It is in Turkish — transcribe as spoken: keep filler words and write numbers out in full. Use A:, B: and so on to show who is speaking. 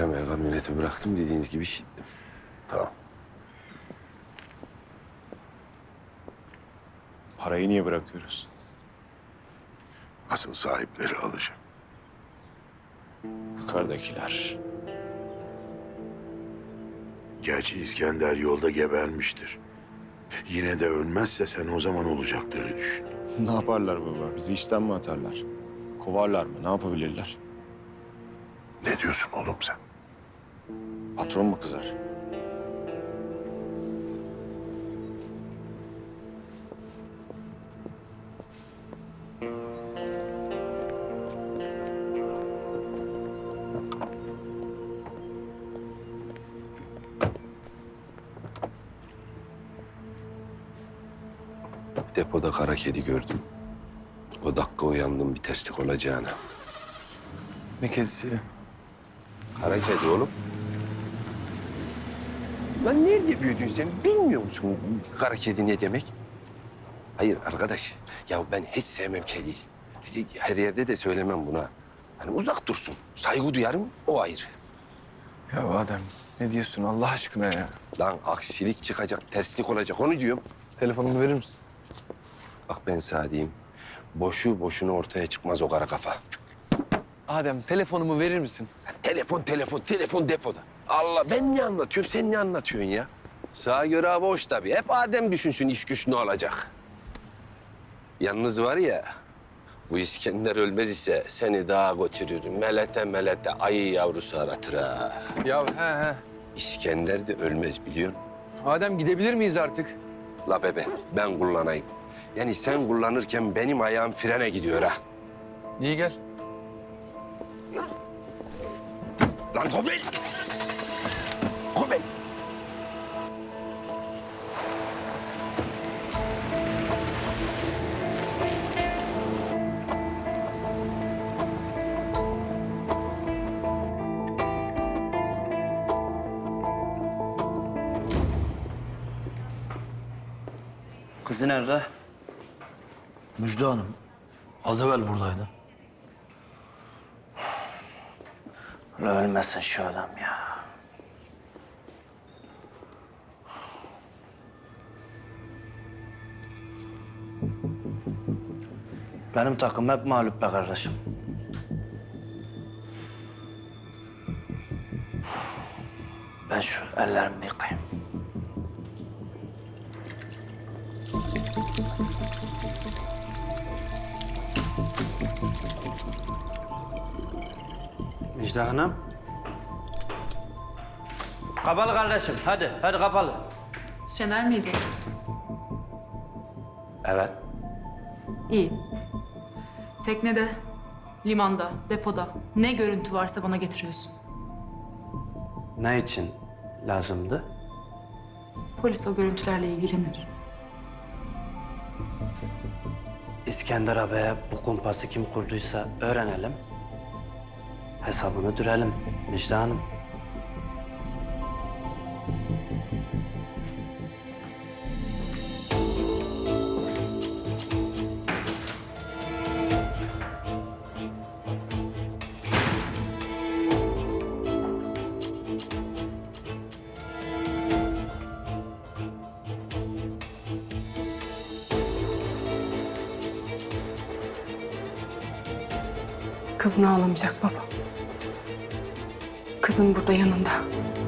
A: pijamayı kamyonete bıraktım. Dediğiniz gibi şittim.
B: Tamam.
C: Parayı niye bırakıyoruz?
B: Asıl sahipleri alacak.
C: Yukarıdakiler.
B: Gerçi İskender yolda gebermiştir. Yine de ölmezse sen o zaman olacakları düşün.
C: Ne yaparlar baba? Bizi işten mi atarlar? Kovarlar mı? Ne yapabilirler?
B: Ne diyorsun oğlum sen?
C: Patron mu kızar?
A: Depoda kara kedi gördüm. O dakika uyandım bir terslik olacağına.
C: Ne kedisi ya?
A: Kara kedi oğlum. Lan nerede büyüdün sen? Bilmiyor musun kara kedi ne demek? Hayır arkadaş. Ya ben hiç sevmem kediyi. Her yerde de söylemem buna. Hani uzak dursun. Saygı duyarım, o ayrı.
C: Ya Adem ne diyorsun Allah aşkına ya?
A: Lan aksilik çıkacak, terslik olacak onu diyorum.
C: Telefonumu verir misin?
A: Bak ben sana diyeyim. Boşu boşuna ortaya çıkmaz o kara kafa.
C: Adem telefonumu verir misin?
A: Telefon, telefon, telefon depoda. Allah ben ne anlatıyorum, sen ne anlatıyorsun ya? Sağa göre hava hoş tabii. Hep Adem düşünsün iş güç ne olacak. Yalnız var ya, bu İskender ölmez ise seni dağa götürür. Melete melete ayı yavrusu aratır ha.
C: Ya he he.
A: İskender de ölmez biliyorsun.
C: Adem gidebilir miyiz artık?
A: La bebe, ben kullanayım. Yani sen kullanırken benim ayağım frene gidiyor ha.
C: İyi gel.
A: Lan Kobel! Kobel!
D: Kızı nerede?
E: Müjde Hanım, az evvel buradaydı.
D: Ulan ölmesin şu adam ya. Benim takım hep mağlup be kardeşim. Ben şu ellerimi yıkayayım. Müjde Hanım. Kapalı kardeşim. Hadi, hadi kapalı.
F: Şener miydi?
D: Evet.
F: İyi. Teknede, limanda, depoda ne görüntü varsa bana getiriyorsun.
D: Ne için lazımdı?
F: Polis o görüntülerle ilgilenir.
D: İskender abiye bu kumpası kim kurduysa öğrenelim. Hesabını dürelim Müjde Hanım.
F: Kızın ağlamayacak baba. Kızın burada yanında.